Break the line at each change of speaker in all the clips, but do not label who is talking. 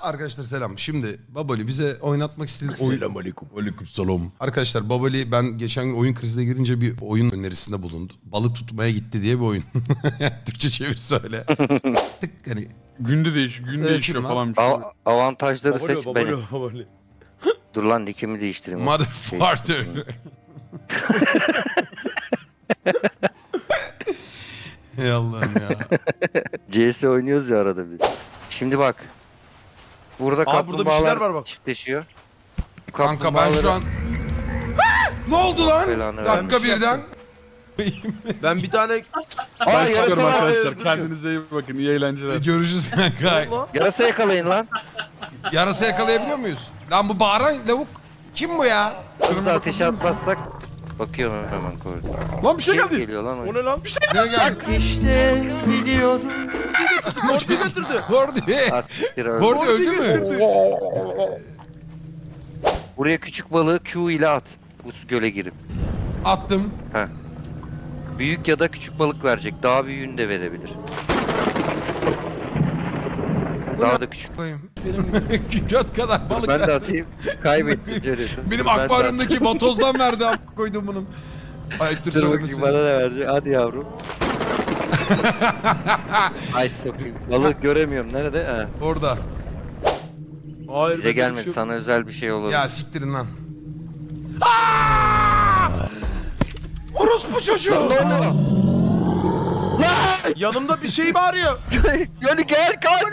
Arkadaşlar selam. Şimdi Baboli bize oynatmak istediği oyun...
Selamünaleyküm.
Aleykümselam. Arkadaşlar Baboli ben geçen gün oyun krizine girince bir oyun önerisinde bulundu. Balık tutmaya gitti diye bir oyun. Türkçe çevir söyle. Tık hani.
Günde gün değişiyor
kim lan?
falan bir şey.
Avantajları seç benim.
Babolo.
Dur lan nickimi değiştireyim.
Motherfucker. Ey Allah'ım ya.
CS oynuyoruz ya arada bir. Şimdi bak. Burada
Aa, burada bir şeyler
kaplumbağalar
var bak.
çiftleşiyor.
Kanka ben şu an... Ne oldu lan?
Belanı
Dakika
vermiş.
birden.
Ben bir tane...
Aa
Ben çıkıyorum
yarasa var.
arkadaşlar. Kendinize iyi bakın. İyi eğlenceler.
Görüşürüz kanka.
Yarasa yakalayın lan.
Yarasa yakalayabiliyor muyuz? Lan bu bağıran lavuk. Kim bu ya?
Kırmızı ateşe atmazsak. Bakıyorum hemen koridora.
Lan bir şey
Kim
geldi.
geliyor lan
O
o?
ne lan? Bir şey
Ne geldi?
İşte gidiyorum.
Gordi götürdü.
Gordi.
Asiktir öldü.
Gordi öldü mü?
Buraya küçük balığı Q ile at. Bu göle girip.
Attım.
Büyük ya da küçük balık verecek. Daha büyüğünü de verebilir. Daha da küçük.
Koyayım. Göt kadar balık.
Ben de atayım. Kaybetti Cöret'in.
Benim
Ben de
akvaryumdaki vatozdan verdi. Koydum bunun. Ayıptır
Dur bakayım
söylemesi.
bana da verecek. Hadi yavrum. Ay sokayım. Balık göremiyorum. Nerede? Ha.
Orada.
Hayır.
Bize gelmedi. Sana özel bir şey olur.
Ya siktirin lan. Aa! Orospu çocuğu.
Yanımda bir şey bağırıyor.
Yönü gel kalk.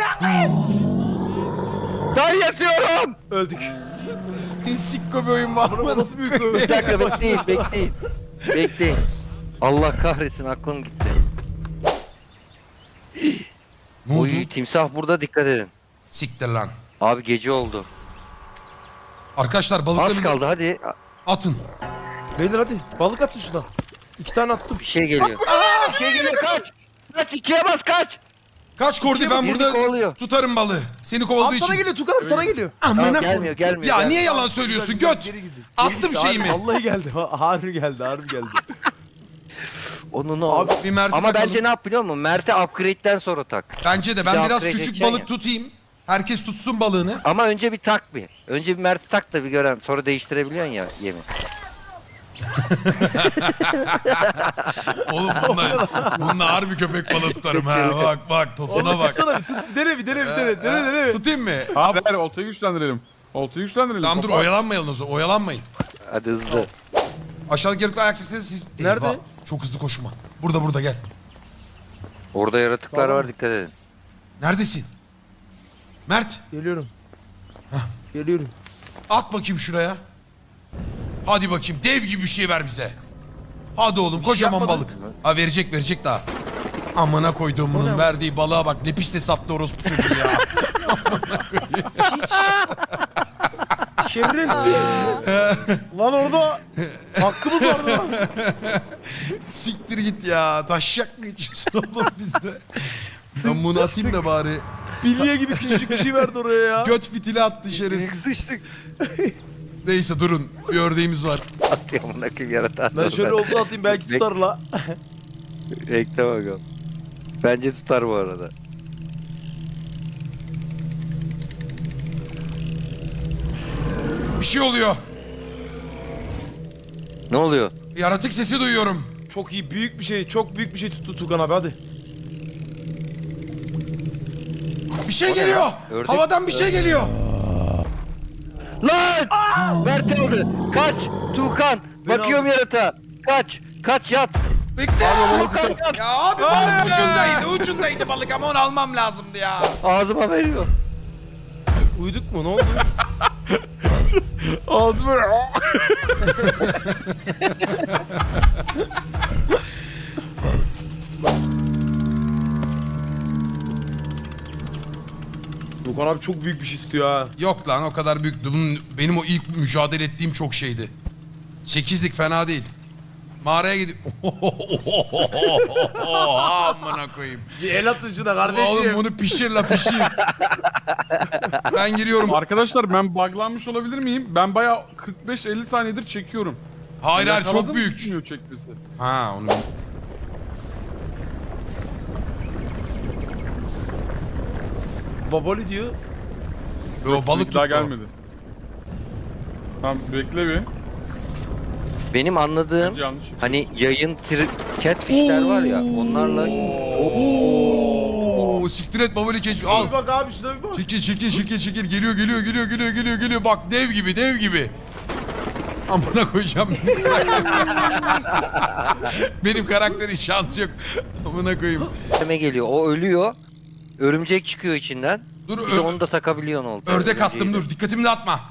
Ben yatıyorum.
Öldük.
Sikko bir oyun var
Bu
mı?
nasıl büyük bir
Bir dakika bekleyin. Bekleyin. Allah kahretsin aklım gitti.
Ne oldu?
Oy timsah burada dikkat edin.
Siktir lan.
Abi gece oldu.
Arkadaşlar
Az
balıklarınızı
kaldı hadi.
atın.
Beyler hadi. Balık atın şuradan. 2 tane attım.
Bir şey geliyor. Bir şey geliyor kaç. Kaç ikiye bas kaç.
Kaç Kordi ben
Birini
burada
kovalıyor.
tutarım balığı. Seni
Abi
kovaladığı
sana
için.
geliyor Tukan abi sana geliyor.
Amına
Tamam,
koyayım.
gelmiyor.
Ya
Gel.
niye yalan söylüyorsun
Güzel,
göt?
geri gidiyor.
Attım
Geri
şeyimi.
gitti. Vallahi geldi. Harbi geldi. Harbi geldi.
Onun
Abi,
Bir Mert'e
ama
takalım.
bence ne yap biliyor musun? Mert'e upgrade'den sonra tak.
Bence de
Bir
ben
daha
biraz
upgrade
küçük
edeceksin
balık
ya.
tutayım. Herkes tutsun balığını.
Ama önce bir tak bir. Önce bir Mert'i tak da bir görelim. Sonra değiştirebiliyorsun ya yemi.
Oğlum bununla harbi köpek balığı tutarım ha. Bak tosuna
Onu
bak.
tutsana bir tut. Dene bir dene.
Tutayım mı?
Hayır hayır oltayı güçlendirelim. Oltayı güçlendirelim.
Tamam dur
Kapat.
oyalanmayalım o zaman. Oyalanmayın.
Hadi hızlı.
Aşağıdaki yaratıklı ayak sesleri siz...
Nerede?
Eyvah, çok hızlı koşma. Burada gel.
Orada yaratıklar
Sağlam.
var dikkat edin.
Neredesin? Mert
Geliyorum. Geliyorum.
at bakayım şuraya. Hadi bakayım dev gibi bir şey ver bize. Hadi oğlum kocaman
yapmadın.
balık. Ha verecek daha. Amına koyduğum bunun verdiği balığa bak. Ne pis de sattı orospu çocuğu ya.
Şerefsiz. Lan orada hakkımız vardı lan.
Siktir git ya. Taşacak mı içiyorsun oğlum bizde? Ben bunu atayım da bari.
Bilye gibi küçücük bir şey verdi oraya ya.
Göt fitili attı şerefsiz.
Sıçtık.
Neyse durun. Bir ördeğimiz var.
Atıyor amına koyayım yaratan.
Ben şöyle oldu atayım belki tutar la.
Bekle bakalım. Bence tutar bu arada.
Bir şey oluyor.
Ne oluyor?
Yaratık sesi duyuyorum.
Çok iyi büyük bir şey. Çok büyük bir şey tuttu Tukan abi hadi.
Bir şey
O ne
geliyor.
lan? Ördek-
Havadan bir şey geliyor.
Lan! Mert aldı. Kaç! Tuğkan! Bakıyorum yaratığa. Kaç! Kaç yat!
Bekle.
Tuğkan yat!
Ya abi balık ucundaydı balık ama onu almam lazımdı ya.
Ağzıma veriyor.
Uyuduk mu ne oldu?
Ağzıma.
Tukan abi çok büyük bir şey tutuyor ha.
Yok lan o kadar büyük. Benim o ilk mücadele ettiğim çok şeydi. 8'lik fena değil. Mağaraya gidip... Amına koyayım.
Bir el atın şuna
Oğlum
kardeşim.
bunu pişir la pişir. Ben giriyorum.
Arkadaşlar ben buglanmış olabilir miyim? Ben bayağı 45-50 saniyedir çekiyorum.
Hayır çok
Yakaladım,
büyük.
bitmiyor çekmesi.
Ha onu...
Baboli diyor.
O balık tuttu.
Daha
o.
gelmedi. Tamam bekle bir.
Benim anladığım
Bence yanlış.
hani yayın catfishler var ya onlarla
Oo, siktir et babali keşfi. Al.
Bir bak abi şuna bir bak.
Çekil. Geliyor. Bak dev gibi. Amına koyacağım. Benim karakterin şansı yok. Amına koyayım.
önüme geliyor. O ölüyor. Örümcek çıkıyor içinden.
Dur
Bir de onu da takabiliyorsun oldu.
ördek attım dur. Dikkatimi dağıtma.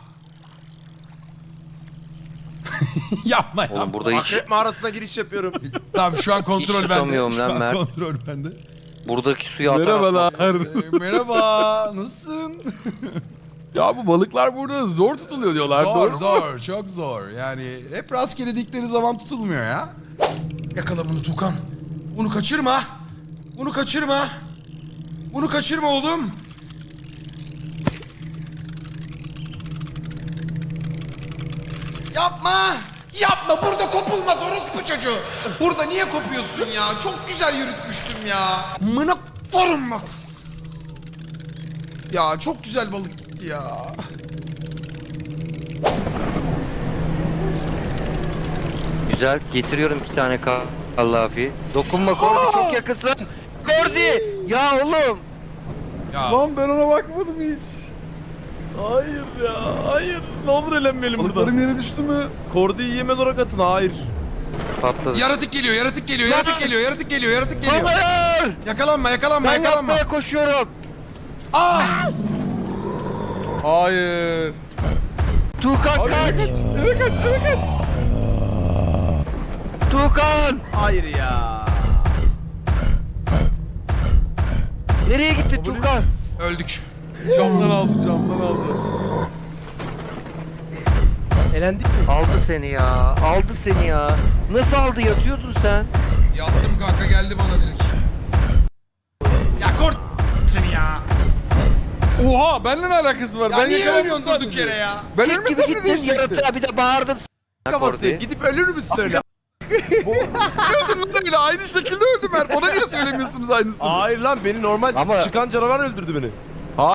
yapma.
Oğlum burada hiç
Akrep mağarasına giriş yapıyorum.
Tamam şu an kontrol
Hiç
bende.
tutamıyorum
Şu
lan
an
Mert.
kontrol bende.
buradaki suya atar.
Merhabalar.
Merhaba. Nasılsın?
Ya bu balıklar burada zor tutuluyor diyorlar. Doğru mu?
Zor. Çok zor. Yani hep rastgele dikleri zaman tutulmuyor ya. Yakala bunu Tukan. Bunu kaçırma. Bunu kaçırma oğlum. Yapma burada kopulmaz orospu çocuğu. Burada niye kopuyorsun ya? Çok güzel yürütmüştüm ya. Mına korum bak. Ya çok güzel balık gitti ya.
Güzel. Getiriyorum 2 tane kallafi. Dokunma Kordi çok yakınsın. Kordi! Ya oğlum!
Ya
Lan ben ona bakmadım hiç.
Hayır ya, hayır. Ne olur elenmeyelim burada.
Balıklarım yere düştü mü?
Kordi'yi yemez olarak atın, hayır.
Patladı.
yaratık geliyor.
Hayır!
Yakalanma.
Ben yapmaya koşuyorum.
Hayır.
Tuğkan
Abi
kaç!
eve kaç.
Tuğkan!
Hayır ya.
Nereye gitti Tuğkan?
Öldük.
Camdan aldı.
Elendik mi?
Aldı seni ya. Nasıl aldı? Yatıyordun sen.
Yattım kanka geldi bana direkt. Ya kort seni ya.
Oha benimle ne alakası var?
Ya
ben
niye
yakalandım
ölüyorsun
sadece.
durduk yere ya?
Ben
Sik gibi
ölmesem ne
gittin
diyecekti?
yaratığa bir de bağırdım.
Kafası.
Kordi.
Gidip ölür müsün öyle?
Öldüm lan öyle aynı şekilde öldüm ben. Ona niye söylemiyorsunuz aynısını?
Hayır lan, beni normal
Ama-
çıkan canavar öldürdü beni.